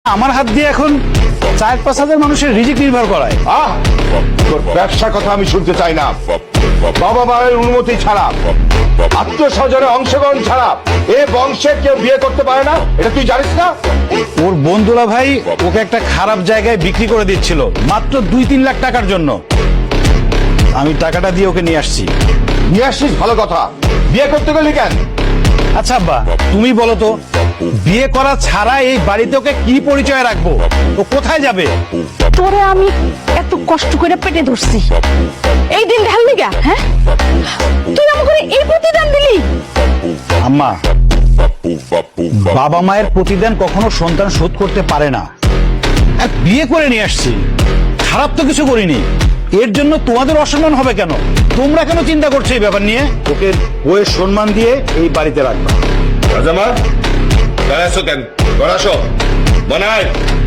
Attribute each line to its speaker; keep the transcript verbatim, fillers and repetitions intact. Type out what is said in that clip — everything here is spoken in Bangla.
Speaker 1: আমার হাত দিয়ে এখন চার পাঁচ হাজার মানুষের রিজিক নির্ভর করায়।
Speaker 2: আহ তোর ব্যবসার কথা আমি শুনতে চাই না। বাবা মায়ের অনুমতি ছাড়া, আত্মীয় স্বজনের অংশগ্রহণ ছাড়া এ বংশে কেউ বিয়ে করতে পারে না, এটা তুই জানিস না?
Speaker 1: ওর বন্ধুরা ভাই ওকে একটা খারাপ জায়গায় বিক্রি করে দিচ্ছিল মাত্র দুই তিন লাখ টাকার জন্য। আমি টাকাটা দিয়ে ওকে নিয়ে আসছি।
Speaker 2: নিয়ে আসছিস ভালো কথা, বিয়ে করতে গেলি কেন?
Speaker 1: আচ্ছা আব্বা, তুমি বলো তো, বিয়ে করা ছাড়া এই বাড়িতে ওকে কি পরিচয় রাখবো? ও কোথায় যাবে?
Speaker 3: তোরে আমি এত কষ্ট করে পেটে ধরছি, এই দিন ঢাললি গা? হ্যাঁ, তুই আমাকে এই প্রতিদান দিলি?
Speaker 1: আম্মা, বাবা মায়ের প্রতিদান কখনো সন্তান শোধ করতে পারে না। আর বিয়ে করে নিয়ে আসছি, খারাপ তো কিছু করিনি, এর জন্য তোমাদের অসম্মান হবে কেন? তোমরা কেন চিন্তা করছো এই ব্যাপার নিয়ে? ওকে বইয়ের সম্মান দিয়ে এই বাড়িতে রাখবা।
Speaker 2: রাজামা দাঁড়াছো কেন? বড়াসো বানায়